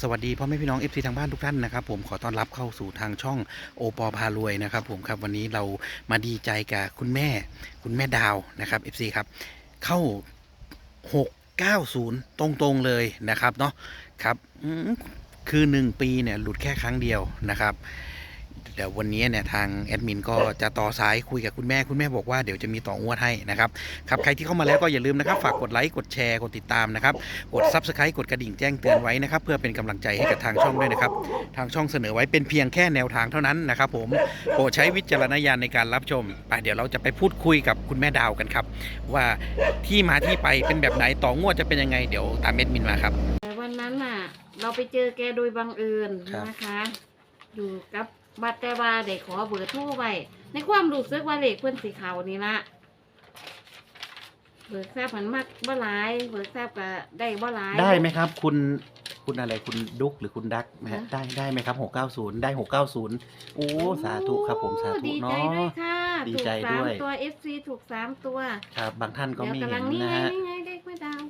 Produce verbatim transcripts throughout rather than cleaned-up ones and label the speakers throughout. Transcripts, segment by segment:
Speaker 1: สวัสดีพ่อแม่พี่น้อง เอฟ ซี ทางบ้านทุกท่านนะครับผมขอต้อนรับเข้าสู่ทางช่องโอปอพารวยนะครับผมครับวันนี้เรามาดีใจกับคุณแม่คุณแม่ดาวนะครับ เอฟ ซี ครับเข้าหกเก้าศูนย์ตรงๆเลยนะครับเนาะครับอืมคือหนึ่งปีเนี่ยหลุดแค่ครั้งเดียวนะครับเดี๋ยววันนี้เนี่ยทางแอดมินก็จะต่อสายคุยกับคุณแม่คุณแม่บอกว่าเดี๋ยวจะมีต่องวดให้นะครับครับใครที่เข้ามาแล้วก็อย่าลืมนะครับฝากกดไลค์กดแชร์กดติดตามนะครับกด ซับสไครบ์ กดกระดิ่งแจ้งเตือนไว้นะครับเพื่อเป็นกำลังใจให้กับทางช่องด้วยนะครับทางช่องเสนอไว้เป็นเพียงแค่แนวทางเท่านั้นนะครับผมโปรดใช้วิจารณญาณในการรับชมไปเดี๋ยวเราจะไปพูดคุยกับคุณแม่ดาวกันครับว่าที่มาที่ไปเป็นแบบไหนต่องวดจะเป็นยังไงเดี๋ยวตามแอดมินมาครับ
Speaker 2: แต่วันนั้นน่ะ เราไปเจอแกโดยบังเอิญ
Speaker 1: ครับ
Speaker 2: นะคะ อยู่กับบัตรแต่ว่าได้ขอเบอร์โทรไว้ในความรู้สึกว่าเลขเพื่อนสีเขานี่ละเบิกทราบมันมากบ่หลายเบิกทราบก็ได้บ่หลาย
Speaker 1: ได้ไหมครับคุณคุณอะไรคุณดุ๊กหรือคุณดักไหมฮะ
Speaker 2: ฮะ
Speaker 1: ได้ได้ไหมครับหกเก้าศูนย์ได้หกเก้าศูนย์โอ้สาธุครับผมสาธุ
Speaker 2: ดีใจ
Speaker 1: เนาะ
Speaker 2: ด้วยค่ะ
Speaker 1: ดี
Speaker 2: ถูก
Speaker 1: ใจ
Speaker 2: สา
Speaker 1: ด้
Speaker 2: ม
Speaker 1: วย
Speaker 2: ตัว เอฟ ซี ถูกสามตัว
Speaker 1: ครับบางท่านก็
Speaker 2: เดี๋ยว
Speaker 1: ไม่
Speaker 2: กำ
Speaker 1: เห็
Speaker 2: ลั
Speaker 1: น
Speaker 2: งนี่
Speaker 1: นะ
Speaker 2: ไง
Speaker 1: ฮะ
Speaker 2: นี่ไงเลขแม่ดาว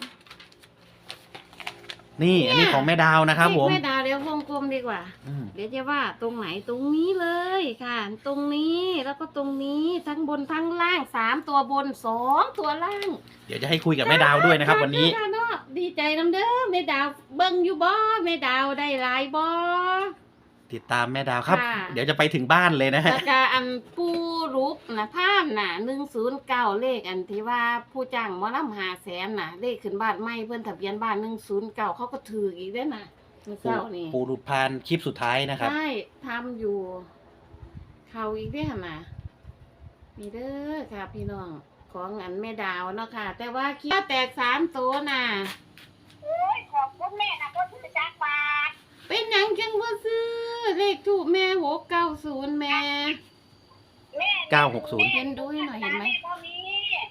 Speaker 1: นี่อันนี้ของแม่ดาวนะครับผม
Speaker 2: เลขแม่ดาวเดี๋ยววงกลมดีกว่า
Speaker 1: อืม
Speaker 2: เดี๋ยวจะว่าตรงไหนตรงนี้เลยค่ะ ตรงนี้แล้วก็ตรงนี้ทั้งบนทั้งล่างสามตัวบนสองตัวล่าง
Speaker 1: เดี๋ยวจะให้คุยกับแม่ดาวด้วยนะครับ วันนี้
Speaker 2: ค่ะเนาะดีใจน้ำเด้อแม่ดาวเบิ่งอยู่บ่แม่ดาวได้หลายบ่
Speaker 1: ติดตามแม่ดาวครับ
Speaker 2: ค่ะ
Speaker 1: เดี๋ยวจะไปถึงบ้านเลยนะฮะ
Speaker 2: แล้วก็อันปูรุกนะภาพน่ะหนึ่งศูนย์เก้าเลขอันที่ว่าผู้จ้างหมอลำหาแสนน่ะเลขขึ้นบ้านใหม่เพิ่นทะเบียนบ้านหนึ่งศูนย์เก้าเขาก็ถืออีกเด้อน่ะเมื่อเช้านี่
Speaker 1: ปูรุดพานคลิปสุดท้ายนะครับ
Speaker 2: ใช่ทำอยู่ เขาอีกเด้อน่ะมีเด้อค่ะพี่น้องของอันแม่ดาวเนาะค่ะ แต่ว่าคิดว่าแตกสามตัวน่ะ
Speaker 3: โอ้ยขอบคุณแม่นะก็ซื้อจักรบาท
Speaker 2: เป็นหยังจังบ่ซื้อเลขถูกแม่หกเก้าศูนย์แม่
Speaker 3: แม่
Speaker 1: เก้าหกศูนย์
Speaker 2: เห็นดูให้หน่อยเห็นไหม
Speaker 3: ด้บ่มี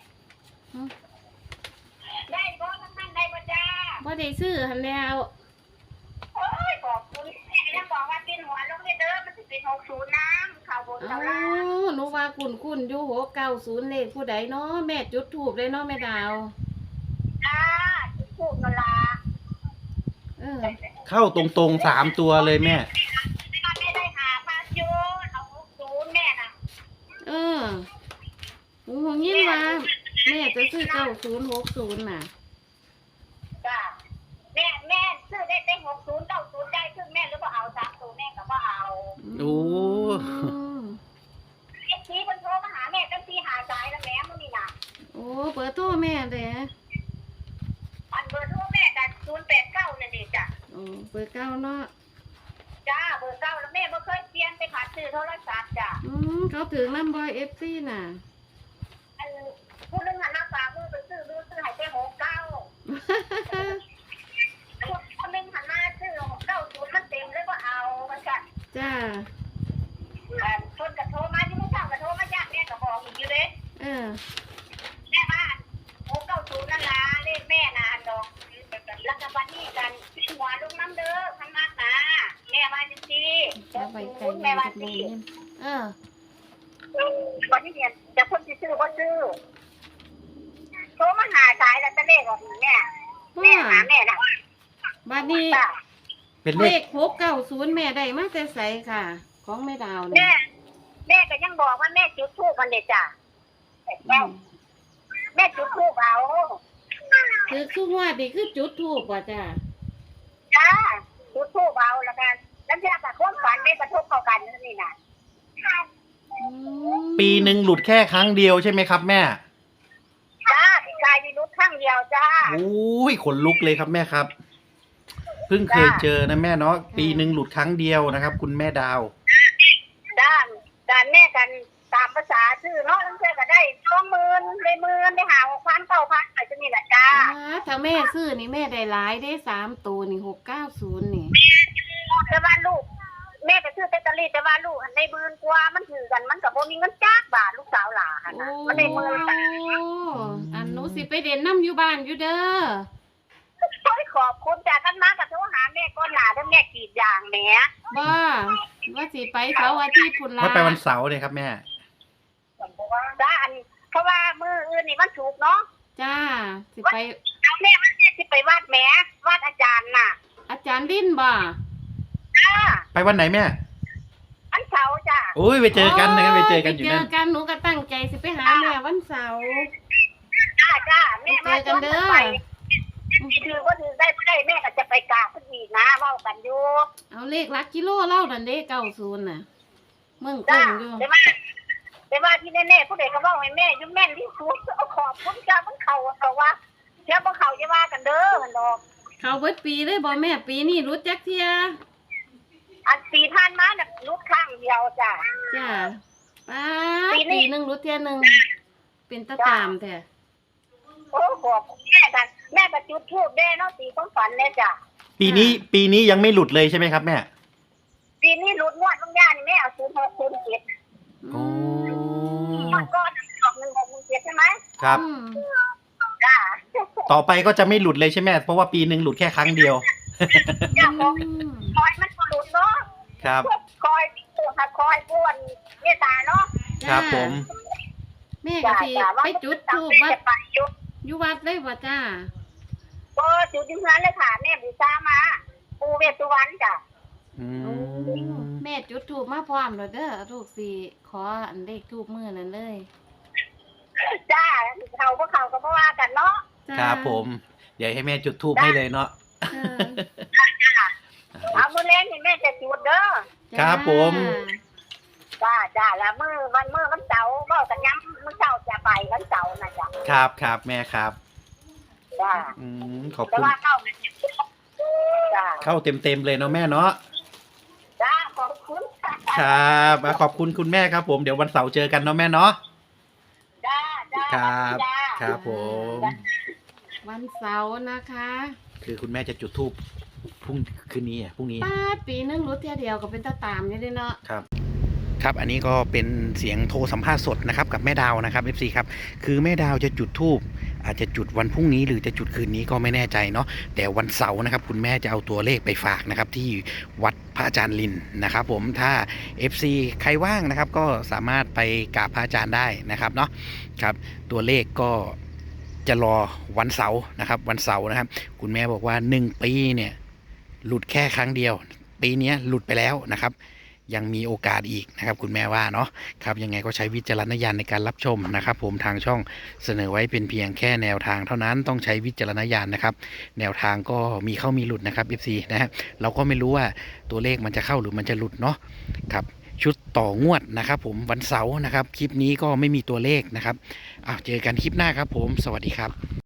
Speaker 3: ได้บ่ทั้งนั้นได้บ่จ้า
Speaker 2: บ่ได้ซื้อหันแล้ว
Speaker 3: โอ้ยขอบคุณแม่ยังบอกว่ากินหัวลงเด้อมันสิเป็นหกศูนย์น้ำข่าวบน
Speaker 2: อ้า
Speaker 3: ข่าวล่าง
Speaker 2: วหนูว่าคุณคุณอยู่หกเก้าศูนย์เลขผู้ใดเนาะแม่จุดถูกเลยเนาะแม่ดาว
Speaker 3: จ้าพูดนั่นล่ะ
Speaker 2: เออ
Speaker 1: เข้าตรงๆสามตัวเลยแม่
Speaker 3: แม่ได้หาพายุเอาหกศูนย์แม่น่ะ
Speaker 2: เออหนูหงยินว่าแม่จะซื้อเก้าศูนย์หกศูนย์น่ะ
Speaker 3: จ้าแม่แม่ซื้อได้ได้หกศูนย์เก้าศูนย์ได้ซื้อแม่หรือว่าเอาสามศูนย์แม่ก็บ่เอา
Speaker 1: โอ้
Speaker 2: ม
Speaker 3: ไอ้ทีคนโทรมาหาแม่ตั้งทีหาสายแล้วแม่มันนี่น่ะ
Speaker 2: โอ้เปิดโทรแม่เด้อ
Speaker 3: อันเบอร์โทรแม่กันศูนย์แปดเก้านั่นเองจ้ะ
Speaker 2: โอ้เปิดเก้าเนาะ
Speaker 3: จ้าเบอร์เก้าแล้วแม่ไม่เคยเปลี่ยนไปขาดซื้อโทรศัพท์จ้ะ
Speaker 2: อืมเขาถึงลำบอยเอฟซีน่ะ
Speaker 3: อันผู้นึงหันหน้าฝามือไปซื้อดูซื้อให้ไปหกเก้าคนนึงหันหน้าซื้อหกเก้าศูนย์มันเต็มเลยว่าเอามันจ้ะ
Speaker 2: จ้า
Speaker 3: อันคนกระโทรมาที่ไม่ทราบกระโทรมาจ้ะแม่ก็บอกอีกอยู่เลย
Speaker 2: เออ
Speaker 3: แม่บ้านหกเก้าศูนย์นั่นล่ะเลขแม่น่ะอันดอกแล้วก็วันนี้กันหัวลุงน้ำเด้อพันมากนะแม่มาจริงๆ
Speaker 2: เอาไปไกล
Speaker 3: แม่มา
Speaker 2: จาก
Speaker 3: จ
Speaker 2: โรง
Speaker 3: ริ
Speaker 2: เรี
Speaker 3: ง
Speaker 2: ยนเออ
Speaker 3: วันนี้เนี่ยจะคนที่ซื้อก็ซื้อโทรมาหาสายแล้วจะเลขออกแม่แม่หาแม่น่ะ
Speaker 2: บัดนี้
Speaker 3: จ้ะ
Speaker 1: เป็นเล
Speaker 2: เล
Speaker 1: ข
Speaker 2: ขหกเก้าศูนย์แม่ได้มาแต่ใสค่ะ ของแม่ดาว
Speaker 3: แม่
Speaker 2: เนี่ย
Speaker 3: แม่ก็ยังบอกว่าแม่จุดธูปมันเด็ดจ้ะแม่แม่จุดธูปเอา
Speaker 2: คือทุกว่าดีคือจุดถูกว่าจ้า
Speaker 3: จ้าจุดธูปเอาแล้วกันแล้วจะกับความฝันไม่กระทบเข้ากันนี่น่ะ
Speaker 1: ปีหนึ่งหลุดแค่ครั้งเดียวใช่ไหมครับแม่
Speaker 3: จ้าพี่ชายมีนุชข้างเดียวจ้า
Speaker 1: โอ้ยขนลุกเลยครับแม่ครับ เพิ่งเคยเจอนะแม่เนาะปีหนึ่งหลุดครั้งเดียวนะครับ คุณแม่ดาว
Speaker 3: ด้านด้านแม่กันตามภาษาชื่อเนาะแล้วเพื่อนก็ได้สองหมื่นได้หมื่นได้หาหกพันเก้าพันอะไรจะนี่แหละจ้า
Speaker 2: อ่าถ้าแม่ซื้อนี่แม่ได้หลายได้สามตัวนี่หกเก้าศูนย์นี่
Speaker 3: แต่ว่าลูกแม่ก็ซื้อเตตาลีแต่ว่าลูกหันได้หมื่นกว่ามันถือกันมันกับโบมีเงินจ้าบาทลูกสาวหลาน
Speaker 2: โอ้
Speaker 3: นะมันได้หมื่นบาท
Speaker 2: อันหนูสิไปเด่นน้ำอยู่บ้านอยู่เด้อ
Speaker 3: โอ้ยขอบคุณจ้ากันมากับโทรหาแม่ก้อนหลาแล้วแม่กรีดยางแหม
Speaker 2: บ้าว่าสิไปเสาร์อาทิตย์พุ่นละ
Speaker 1: ว่าไปวันเสาร์เลยครับแม่
Speaker 3: จ้าอันเพราะว่ามืออื่นนี่มันถูกเนาะ
Speaker 2: จ้าสิไป
Speaker 3: เอาแม่มันแม่ที่ไปวาดแหมวาดอาจารย์น่ะ
Speaker 2: ออาจารย์ลิ้นบ่
Speaker 3: จ้า
Speaker 1: ไปวันไหนแม่
Speaker 3: อันเสาร์จ้า
Speaker 1: โอ้ยไปเจอกันนะครับไปเจอกันอยู่
Speaker 2: ไป
Speaker 1: นั่
Speaker 2: เจ
Speaker 1: น
Speaker 2: อกันหนูก็ตั้งใจสิไปหาแม่วันเสาร์
Speaker 3: จ้าจ้าแม่มา
Speaker 2: ไปเจอกันเด้อ
Speaker 3: ไปถือว่าถือได้ไม่ได้แม่ก็จะไปกราบขึ้นอีกนะเว้ากันอยู่
Speaker 2: เอาเลขหลักกิโลเล่าดันเด้เก้าศูนย์น่ะเมืองค
Speaker 3: จ้าง
Speaker 2: อยู่
Speaker 3: แต่ว่าแต่ว่าที่แน่ๆผู้ใดก็บอกให้แม่อยุ่แม่นที่สุดเอาขอบคุณจ้ามันเขาเขาว่าเชื่อบ่เขาจะว่ากันเด้อมันดอก
Speaker 2: เขาเบิดปีเลยบ่แม่ปีนี้รู้จักเทีย
Speaker 3: อันปีท่านมาน่ะลูกข้างเดียวจ้า
Speaker 2: จ้าป้า
Speaker 3: ปีนี้
Speaker 2: ปีหนึ่งรู้เทียหนึ่งเป็นตาตามแท้
Speaker 3: โอ้บอกแม่กันแม่ก็จุดทูบได้เนาะตีความฝันเลยจ้า
Speaker 1: ปีนี้ปีนี้ยังไม่หลุดเลยใช่ไหมครับแม่
Speaker 3: ปีนี้หลุดงวดบางอย่างนี่แม่เอาศูนย์หกศูนย์เจ็ด
Speaker 1: โอ้
Speaker 3: งวดก้อนออกหนึ่งหกหนึ่งเจ็ดใช่ไหม
Speaker 1: ครับ
Speaker 2: อืม
Speaker 3: จ้า
Speaker 1: ต่อไปก็จะไม่หลุดเลยใช่ไหมเพราะว่าปีหนึ่งหลุดแค่ครั้งเดียว
Speaker 3: จ้าบอก
Speaker 2: อืม
Speaker 3: คอยมันก็หลุดเนาะ
Speaker 1: ครับ
Speaker 3: คอยปูค่ะคอยป้วนเมตตาเนาะ
Speaker 1: ครับผม
Speaker 2: แม่ก็
Speaker 3: จ้า
Speaker 2: สิ
Speaker 3: จ้าว่า
Speaker 2: ไปจุดธูป
Speaker 3: แม่
Speaker 2: วัด
Speaker 3: จะไปอยู่
Speaker 2: อยู่วัดเลยบ่จ้า
Speaker 3: ก็จุดที่นั้นเลยค่ะแม่บูชามา ปูเวสสุวรรณจ้ะ
Speaker 1: อื
Speaker 2: โอ้
Speaker 1: ม
Speaker 2: แม่จุดธูปมาพร้อมแล้วเด้อลูกสิขออันเลขธูปมื้อนั้นเลย
Speaker 3: จ้าเขาพวกเขาก็บ่ว่ากันเนาะ
Speaker 2: จ้า
Speaker 1: ครับผม เดี๋ยวให้แม่จุดทูบให้เลยเนาะ
Speaker 2: เออ
Speaker 3: เอามือเล่นนี่แม่จะจุดเด้อ
Speaker 1: ครับผม
Speaker 3: จ้าจ้าแล้วมือวันมือวันเสาร์ก็กันย้ำมื้อเช้าจะไปวันเสาร์นะจ้ะ
Speaker 1: ครับครับแม่ครับ
Speaker 3: จ้า
Speaker 1: อืมขอบ
Speaker 3: แต่
Speaker 1: คุณ
Speaker 3: ว่าเข้ามันจะจ้า
Speaker 1: เข้าเต็มเต็มๆเลยเนาะแม่เนาะ
Speaker 3: จ้าขอบคุณค่ะ
Speaker 1: ครับอ่ะขอบคุณคุณแม่ครับ ผมเดี๋ยววันเสาร์เจอกันเนาะแม่เนาะ
Speaker 3: จ้าจ้า
Speaker 1: ครับ
Speaker 3: จ้า
Speaker 1: ครับผม
Speaker 2: วันเสาร์นะคะ
Speaker 1: คือคุณแม่จะจุดทูบพรุ่งคืนนี้อ่ะพรุ่งนี้
Speaker 2: ป้าดปีหนึงรู้เทียเดียวก็เป็นตาตามอยู่เด้เนาะ
Speaker 1: ครับครับอันนี้ก็เป็นเสียงโทรสัมภาษณ์สดนะครับกับแม่ดาวนะครับ เอฟ ซี ครับคือแม่ดาวจะจุดธูปอาจจะจุดวันพรุ่งนี้หรือจะจุดคืนนี้ก็ไม่แน่ใจเนาะแต่วันเสาร์นะครับคุณแม่จะเอาตัวเลขไปฝากนะครับที่วัดพระอาจารย์ลินนะครับ ผมถ้า เอฟ ซี ใครว่างนะครับก็สามารถไปกราบพระอาจารย์ได้นะครับเนาะครับตัวเลขก็จะรอวันเสาร์นะครับวันเสาร์นะครับ คุณแม่บอกว่าหนึ่งปีเนี่ยหลุดแค่ครั้งเดียว ปีนี้หลุดไปแล้วนะครับ ยังมีโอกาสอีกนะครับคุณแม่ว่าเนาะครับยังไงก็ใช้วิจารณญาณในการรับชมนะครับ ผมทางช่องเสนอไว้เป็นเพียงแค่แนวทางเท่านั้นต้องใช้วิจารณญาณนะครับ แนวทางก็มีเข้ามีหลุดนะครับ เอฟ ซี นะฮะเราก็ไม่รู้ว่าตัวเลขมันจะเข้าหรือมันจะหลุดเนาะครับชุดต่องวดนะครับ ผมวันเสาร์นะครับคลิปนี้ก็ไม่มีตัวเลขนะครับอ้าวเจอกันคลิปหน้าครับผมสวัสดีครับ